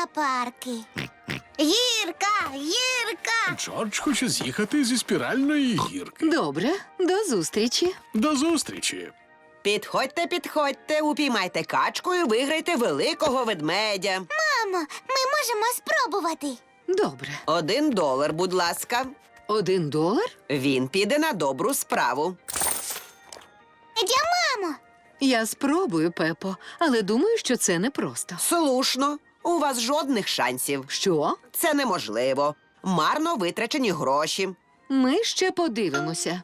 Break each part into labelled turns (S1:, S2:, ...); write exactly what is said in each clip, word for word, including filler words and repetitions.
S1: аквапарки. Гірка, гірка!
S2: Джордж хоче з'їхати зі спіральної гірки.
S3: Добре, до зустрічі.
S2: До зустрічі.
S4: Підходьте, підходьте, упіймайте качку і виграйте великого ведмедя.
S1: Мамо, ми можемо спробувати.
S3: Добре.
S4: Один долар, будь ласка.
S3: Один долар?
S4: Він піде на добру справу.
S1: Я, мамо!
S3: Я спробую, Пепо, але думаю, що це непросто.
S4: Слушно, у вас жодних шансів.
S3: Що?
S4: Це неможливо. Марно витрачені гроші.
S3: Ми ще подивимося.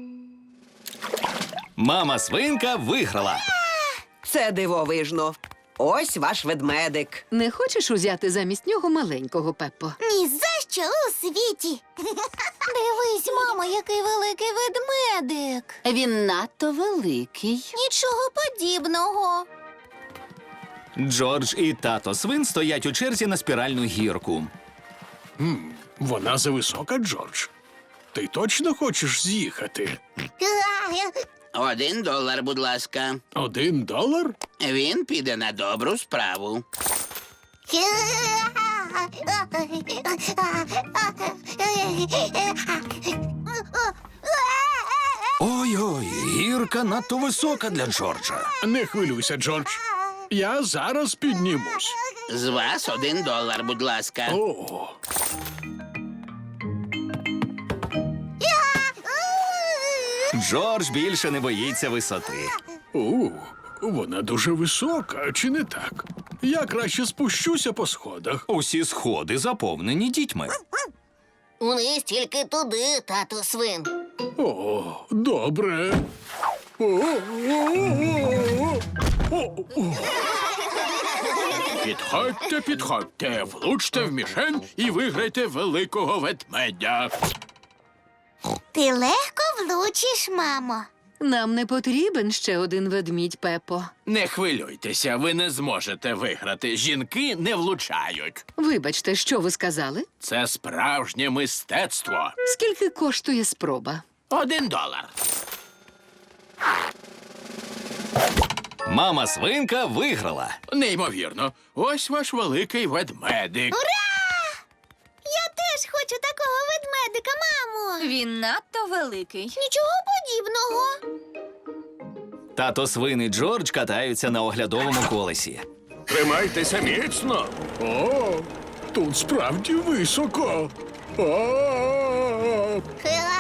S5: Мама свинка виграла.
S4: Це дивовижно. Ось ваш ведмедик.
S3: Не хочеш узяти замість нього маленького, Пеппо?
S1: Ні за що у світі. Дивись, мамо, який великий ведмедик.
S6: Він надто великий.
S1: Нічого подібного.
S5: Джордж і тато свин стоять у черзі на спіральну гірку.
S2: Вона зависока, Джордж. Ти точно хочеш з'їхати?
S7: Один долар, будь ласка.
S2: Один долар?
S7: Він піде на добру справу.
S5: Ой-ой, гірка надто висока для Джорджа.
S2: Не хвилюйся, Джордж. Я зараз піднімусь.
S7: З вас один долар, будь ласка.
S2: О,
S5: Джордж більше не боїться висоти.
S2: у, вона дуже висока, чи не так? Я краще спущуся по сходах.
S5: Усі сходи заповнені дітьми.
S1: Униз тільки туди, тату свин.
S2: О, добре. О, о, о, о, о. Підходьте, підходьте, влучте в мішень і виграйте великого ведмедя.
S1: Ти легко влучиш, мамо.
S3: Нам не потрібен ще один ведмідь, Пеппо.
S8: Не хвилюйтеся, ви не зможете виграти. Жінки не влучають.
S3: Вибачте, що ви сказали?
S8: Це справжнє мистецтво.
S3: Скільки коштує спроба?
S8: Один долар.
S5: Мама свинка виграла.
S8: Неймовірно. Ось ваш великий ведмедик.
S1: Я теж хочу такого ведмедика, мамо.
S6: Він надто великий.
S1: Нічого подібного.
S5: Тато свин і Джордж катаються на оглядовому колесі.
S2: Тримайтеся міцно. О, тут справді високо. О,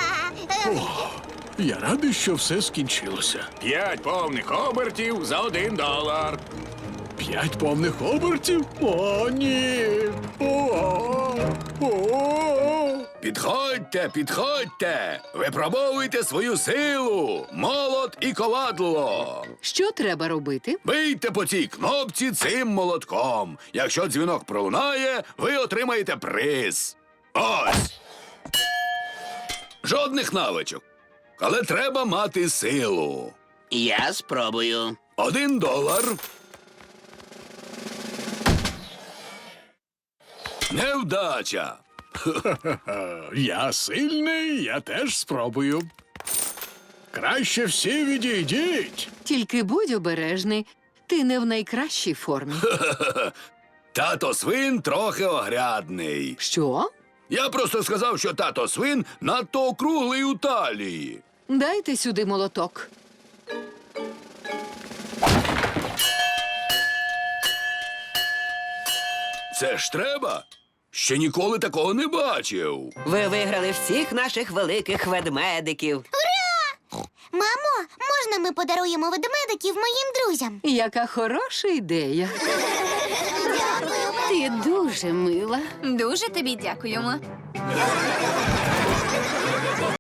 S2: я радий, що все скінчилося.
S8: П'ять повних обертів за один долар.
S2: П'ять повних обертів? О, ні. О, о.
S9: Підходьте, підходьте! Випробовуйте свою силу! Молот і ковадло!
S3: Що треба робити?
S9: Бийте по цій кнопці цим молотком. Якщо дзвінок пролунає, ви отримаєте приз. Ось! Жодних навичок. Але треба мати силу.
S7: Я спробую.
S9: Один долар. Невдача.
S2: Я сильний, я теж спробую. Краще всі відійдіть.
S3: Тільки будь обережний. Ти не в найкращій формі.
S9: Тато свин трохи огрядний.
S3: Що?
S9: Я просто сказав, що тато свин надто округлий у талії.
S3: Дайте сюди молоток.
S9: Це ж треба? Ще ніколи такого не бачив.
S4: Ви виграли всіх наших великих ведмедиків.
S1: Мамо, можна ми подаруємо ведмедиків моїм друзям?
S3: Яка хороша ідея.
S6: Ти дуже мила.
S10: Дуже тобі дякуємо.